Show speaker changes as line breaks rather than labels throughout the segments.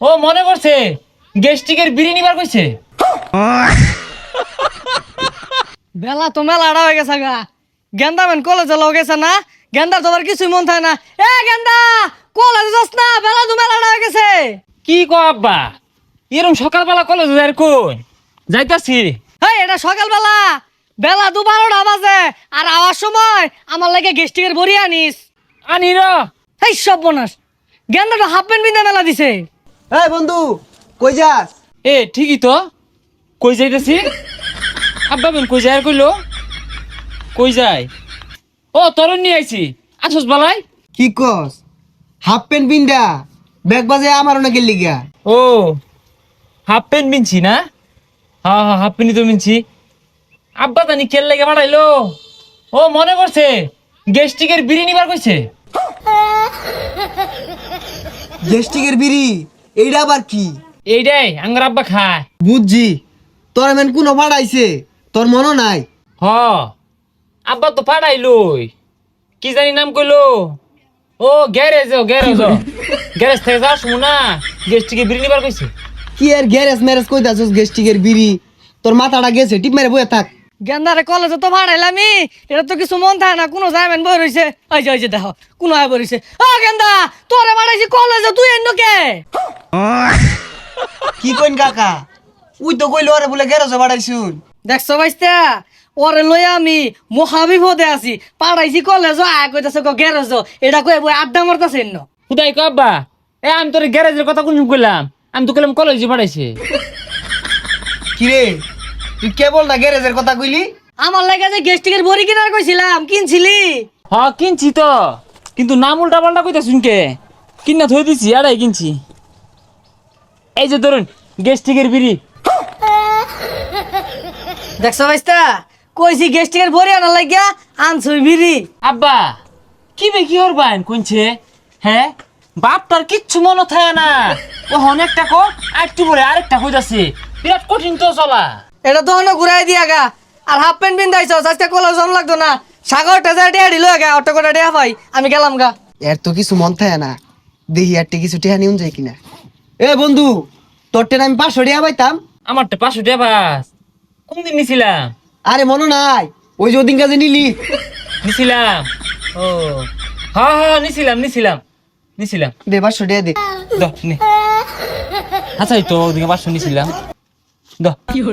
ও মনে করছে গেস্টিকের বিড়ি নিবার কইছে।
বেলা তো মেলাটা হয়ে গেছে গা। গেন্দা মেন কলেজে লও গেছে না, গেন্দার তোমার কিছুই মন থাকে না। এ গেন্দা কলেজে যাস না, বেলা তো মেলাটা হয়ে গেছে।
কি কো আব্বা, এরম সকালবেলা কলেজ যাই কই যাইতাছি।
হেই এটা সকালবেলা, বেলা 12টা বাজে, আর আওয়ার সময় আমার লাগে গেস্টিকের বড়ি আনিস।
আনি র।
এই সব বনাস, গেন্দাটা হাফ প্যান্ট বিন্দা মেলা দিছে।
এই বন্ধু কই যাস?
এ ঠিকই তো, কই যাইতাছি। আব্বা বেন কই যায় আর কইলো কই যায়। ও তরুণ নিয়ে আইছি, আসস বালাই।
কি কস? হাফ প্যান্ট বিন্দা ব্যাগ বাজে আমার না গেলি গা।
ও হাফ প্যান্ট বিনছি না? হ্যাঁ হ্যাঁ হাফ প্যান্টই তো বিনছি। আব্বা জানি কেল লেগে বাড়াইলো। ও মনে করছে গেস্টিকের বিড়ি নিবার কইছে।
গেস্টিকের বিড়ি এইটা আবার কি?
এইটাই আঙ্গার আব্বা খায়।
বুঝছি, তোর এমন কোনো পাঠাইছে তোর মনও নাই?
হ আব্বা তো পাঠাইলই, কি জানি নাম কইলো। ও গ্যারেজ গ্যারেজ গ্যারেজ থেকে যাস না, গেস্টিকে বিড়ি নিবার কইছে।
কি আর গ্যারেজ ম্যারেজ কই দাসস? গেস্টিকের বিড়ি তোর মাথাটা গেছে, টিপ মেরে বয়ে থাক।
গেন্দারে কলেজে তো ভাড়াইলামি, এটা তো কিছু মন থাকে না। কোনো যাইবেন বই রইছে, ওই যে দেখো কোনো আয় বইছে। ও গেন্দা তোরে ভাড়াইছি কলেজে, তুই এন্ন কে?
কি কইন কাকা? উই তো কইলো আরে বলে গ্যারেজে পাঠাইছুন।
দেখছো ভাইস্তা, ওরে লই আমি মহাবিপদে আছি। পাড়াইছি কলেজ, আয় কইতাছে গ্যারেজ, এটা কই বই আড্ডা মারতাছে এন্ন।
খুদাই কো আব্বা, এ আমি তোর গ্যারেজের কথা কোন কইলাম? আমি তো কইলাম কলেজে পাঠাইছে।
কি রে তুই কেবল না গ্যারেজের কথা কইলি?
আমার লাগে যে গেস্টিকের বড়ি কিনার কইছিলাম, কিনছিলি?
হ কিনছি তো, কিন্তু নাম উল্টা পাল্টা কইতা শুনকে কিনা থই দিছি। আড়াই কিনছি। এই যে ধরুন গেস্টিকের বিড়ি।
দেখছো ভাইস্তা, কইছি গেস্টিকের বড়ি আনার লাগিয়া, আনছুই বিড়ি।
আব্বা কি বে কি হরবান কোনছে? হ্যাঁ বাপ তার কিচ্ছু মনে থাকে না। ও অনেকটা কো আরেকটু পরে আরেকটা কইতাছে, বিরাট কঠিন তো চলা।
এটা তো হনো ঘুরাই দিয়া গা। আর হাফ প্যান্ট বিন্দাইছ, আজকে কলেজ জন লাগতো না। সাগরটা যা টিয়া দিল গা, অটো করে টিয়া পাই, আমি গেলাম গা।
এর তো কিছু মন থাকে না, দেখি আর কিছু টেহা নিউন যায় কিনা। এ বন্ধু, তোর টেন আমি 500 টাকা পাইতাম।
আমারটা 500 টাকা বাস। কোনদিন নিছিলাম?
আরে মনে নাই ওই যে ওদিন কাজে নিলি?
নিছিলাম। ও হ্যাঁ হ্যাঁ নিছিলাম নিছিলাম নিছিলাম।
দে 500 টাকা দে।
দ নে। আচ্ছা এই তো ওদিকে 500 নিছিলাম। দ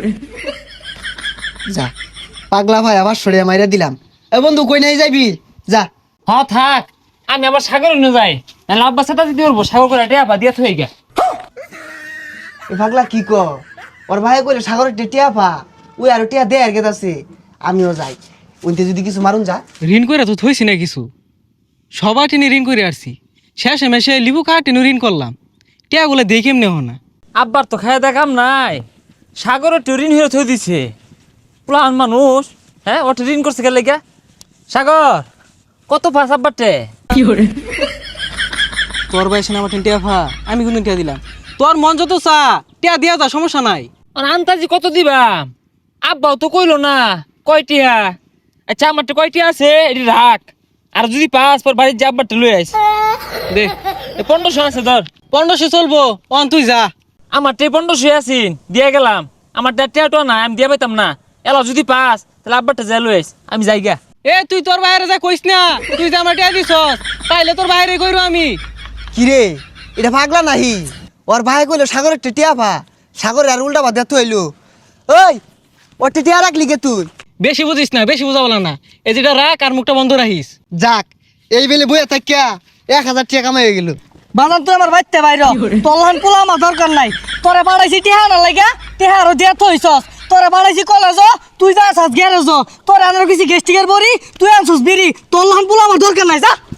যা পাগলা ভাই আবার 500 টাকা মাইরা দিলাম। এ বন্ধু কই নাই যাইবি? যা।
হ্যাঁ থাক, আমি আবার সাগর নিয়ে যাই, নাহলে আব্বা সাথে দিতে পারবো। সাগর করে টেপা দিয়া থই গা।
এ পাগলা কি ক? ওর ভাই কইলে সাগরের টিয়া পা, ওই আর টিয়া দে আর গেতাছে। আমিও যাই, ওইতে যদি কিছু মারুন যা।
ঋণ করে তো থইছি না কিছু, সবার টেনে ঋণ করে আসছি। শেষে মেশে লিবু কার টেনে ঋণ করলাম, টিয়াগুলো দিয়ে কেমনে হো না।
আব্বার তো খায় দেখাম নাই, সাগরের ঋণ হয়ে থই দিছে। প্লান মানুষ, হ্যাঁ ওটা ঋণ করছে গেলে গা। সাগর কত পাস আব্বারটে?
তোর বয়সে আমার টিয়া ফা, আমি কিন্তু টিয়া দিলাম। তোর মন যত চা টিয়া দিয়া যা, সমস্যা নাই।
আর আন্তাজি কত দিবাম? আব্বাও তো কইলো না কয়টিয়া। আচ্ছা আমারটা কয়টিয়া আছে এটি রাখ, আর যদি পাস পর বাড়ির যে আব্বারটা লই আইস।
দে
1500 আছে ধর।
1500 চলবো, অন তুই যা।
আমারটা 1500 আছিন, দিয়ে গেলাম। আমারটা টিয়াটো না, আমি দিয়ে পাইতাম না। এলা যদি পাস তাহলে আব্বারটা যাই লই আইস, আমি যাই গা।
এ তুই তোর বাইরে যা কইস না, তুই যে আমার টিয়া দিছস তাইলে তোর বাইরে কইরো আমি।
কি রে এটা পাগলা নাহি? ওর ভাই কইলো সাগরের টিয়া পা, সাগরের আর উল্টা বাদ হইলো। ওই ওর টিয়া রাখলি কে তুই?
বেশি বুঝিস না, বেশি বুঝা বলা না। এই যেটা রাখ আর মুখটা বন্ধ রাখিস।
যাক এই বেলে বইয়া থাকিয়া 1000 টাকা কামাই হয়ে গেল।
বাজান তুই আমার বাইতে বাইর, তলহান পোলা আমার দরকার নাই। তোরে বাড়াইছি টিহা না লাগা, টিহারও দিয়া থইছস। তোরে বাড়াইছি কলেজ, তুই যা আসাস গ্যারেজ। তোরে আনার কিছু গেস্টিকের বড়ি, তুই আনছস বিড়ি। তলহান পোলা আমার দরকার নাই, যা।